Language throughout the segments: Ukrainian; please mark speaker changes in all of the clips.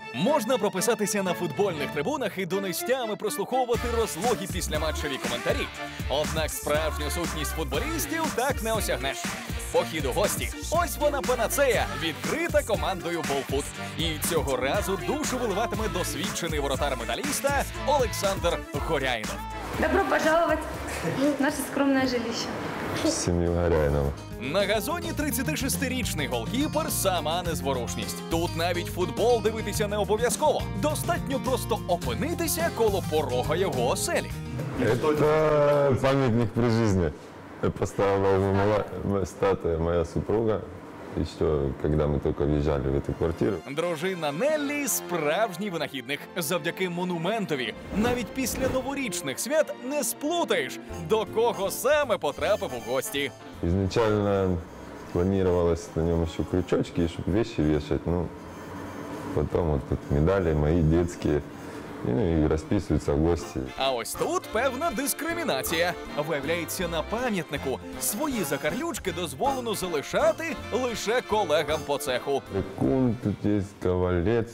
Speaker 1: Можна прописатися на футбольних трибунах і донестями прослуховувати розлогі післяматчеві коментарі. Однак справжню сутність футболістів так не осягнеш. Похід у гості – ось вона панацея, відкрита командою «Болфут». І цього разу душу виливатиме досвідчений воротар металіста Олександр Горяйнов.
Speaker 2: Добро пожаловать в наше скромное жилище.
Speaker 3: Сім'ю Горяйнова.
Speaker 1: На газоні 36-річний голкіпер – сама незворушність. Тут навіть футбол дивитися не обов'язково. Достатньо просто опинитися коло порога його оселі.
Speaker 3: Это памятник при жизни. Поставила ему статуя моя супруга. Еще, когда мы только въезжали в эту квартиру.
Speaker 1: Дружина Неллі – справжній винахідник. Завдяки монументові навіть після новорічних свят не сплутаєш, до кого саме потрапив у гості.
Speaker 3: Изначально планировалось на нем еще крючочки, чтобы вещи вешать. Ну, потом вот тут медали мои детские. Ну і розписуються гості.
Speaker 1: А ось тут певна дискримінація. Виявляється, на пам'ятнику свої закарлючки дозволено залишати лише колегам по цеху.
Speaker 3: Рекун, тут є Ковалець,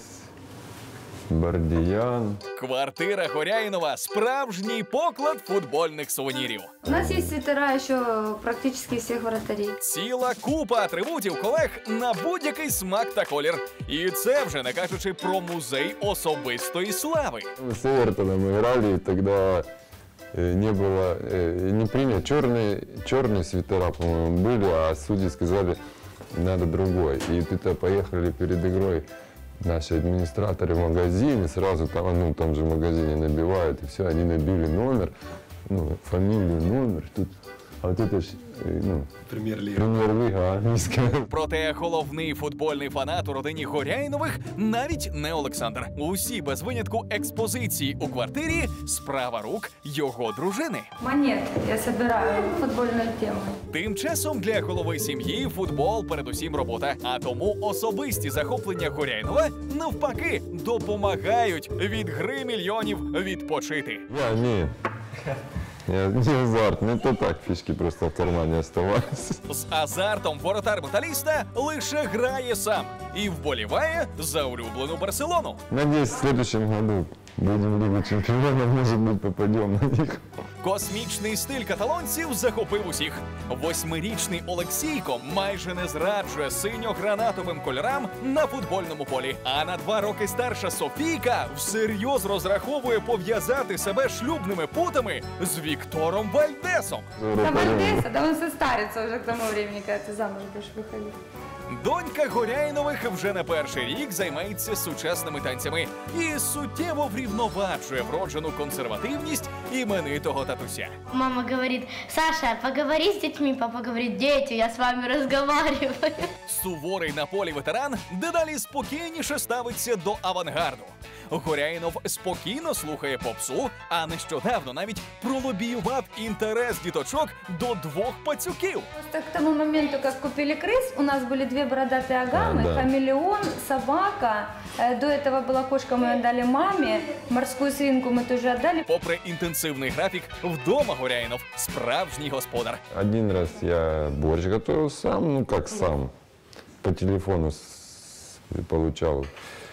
Speaker 3: Бардіян.
Speaker 1: Квартира Горяйнова – справжній поклад футбольних сувенірів.
Speaker 2: У нас есть свитера еще практически всех вратарей.
Speaker 1: Ціла купа атрибутів колег на будь-який смак та колір. І це вже не кажучи про музей особистої слави.
Speaker 3: Мы с Эвертоном играли, и тогда не было, не принято. Черные свитера, по-моему, были, а судьи сказали, надо другой. И тут поехали перед игрой наши администраторы в магазин, и сразу там, ну, в том же магазине набивают, и все, они набили номер, ну, фамилию, номер, тут, а вот это ж, ну, прем'єр-ліга англійська.
Speaker 1: Проте головний футбольний фанат у родині Горяйнових навіть не Олександр. Усі без винятку експозиції у квартирі – справа рук його дружини.
Speaker 2: Монет я собираю футбольную тему.
Speaker 1: Тим часом для голови сім'ї футбол передусім робота. А тому особисті захоплення Горяйнова навпаки допомагають від гри мільйонів відпочити.
Speaker 3: Я не не азарт, не то так, фишки просто в кармане оставались.
Speaker 1: З азартом воротар металіста лише грає сам і вболіває за улюблену Барселону.
Speaker 3: Надеюсь, в следующем году будем в Лигу чемпионов, может быть, попадем на них.
Speaker 1: Космічний стиль каталонців захопив усіх. 8-річний Олексійко майже не зраджує синьо-гранатовим кольорам на футбольному полі. А на 2 роки старша Софійка всерйоз розраховує пов'язати себе шлюбними путами з Віктором Вальдесом.
Speaker 2: Там Вальдеса, да он состарится уже к тому времени, когда ты замуж будешь выходить.
Speaker 1: Донька Горяйнових вже не перший рік займається сучасними танцями і суттєво врівноважує вроджену консервативність іменитого татуся.
Speaker 4: Мама говорит: Саша, поговори с детьми. Папа говорит: дети, я с вами разговариваю.
Speaker 1: Суворий на полі ветеран дедалі спокійніше ставиться до авангарду. Горяйнов спокійно слухає попсу, а нещодавно навіть пролобіював інтерес діточок до 2 пацюків.
Speaker 2: Просто к тому моменту, как купили крыс, у нас были 2 бородатые агамы,
Speaker 3: Да.
Speaker 2: хамелеон, собака. До этого была кошка, мы отдали маме, морскую свинку мы тоже отдали.
Speaker 1: Попри інтенсивний графік, вдома Горяйнов – справжній господар.
Speaker 3: Один раз я борщ готовил сам, ну как сам, по телефону получал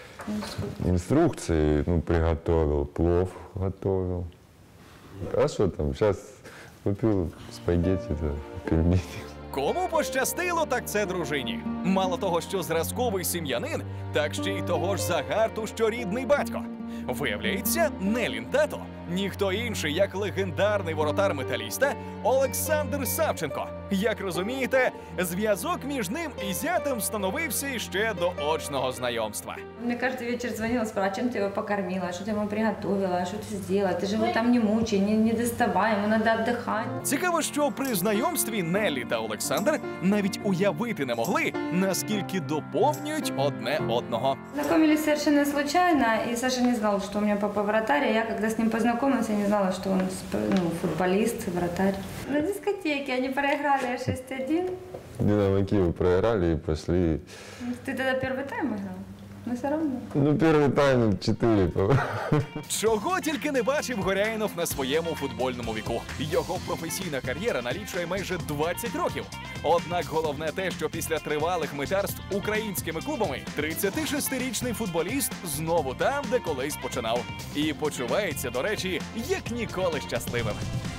Speaker 3: инструкции, ну приготовил, плов готовил. А что там, сейчас купил спагетти, пельмени.
Speaker 1: Кому пощастило, так це дружині. Мало того, що зразковий сім'янин, так ще й того ж загарту, що рідний батько. Виявляється, Нелін тато – ніхто інший, як легендарний воротар металіста Олександр Савченко. Як розумієте, зв'язок між ним і зятем встановився іще до очного знайомства.
Speaker 2: Мне каждый вечер звонила, спрашивала, чем ты его покормила, что ты ему приготовила, что ты сделала, ты же его там не мучай, не доставай, ему надо отдыхать.
Speaker 1: Цікаво, що при знайомстві Неллі та Олександр навіть уявити не могли, наскільки доповнюють одне одного.
Speaker 2: Знакомились совершенно случайно, и Саша не знал, что у меня папа вратарь, а я, когда с ним познакомилась, я не знала, что он футболист, вратарь. На дискотеке они проиграли 6-1.
Speaker 3: Динамо Киев проиграли и пошли.
Speaker 2: Ты тогда первый тайм играл? но все равно.
Speaker 3: Ну, первый тайм 4.
Speaker 1: Чого тільки не бачив Горяїнов на своєму футбольному віку. Його професійна кар'єра налічує майже 20 років. Однак головне те, що після тривалих митарств українськими клубами 36-річний футболіст знову там, де колись починав. І почувається, до речі, як ніколи щасливим.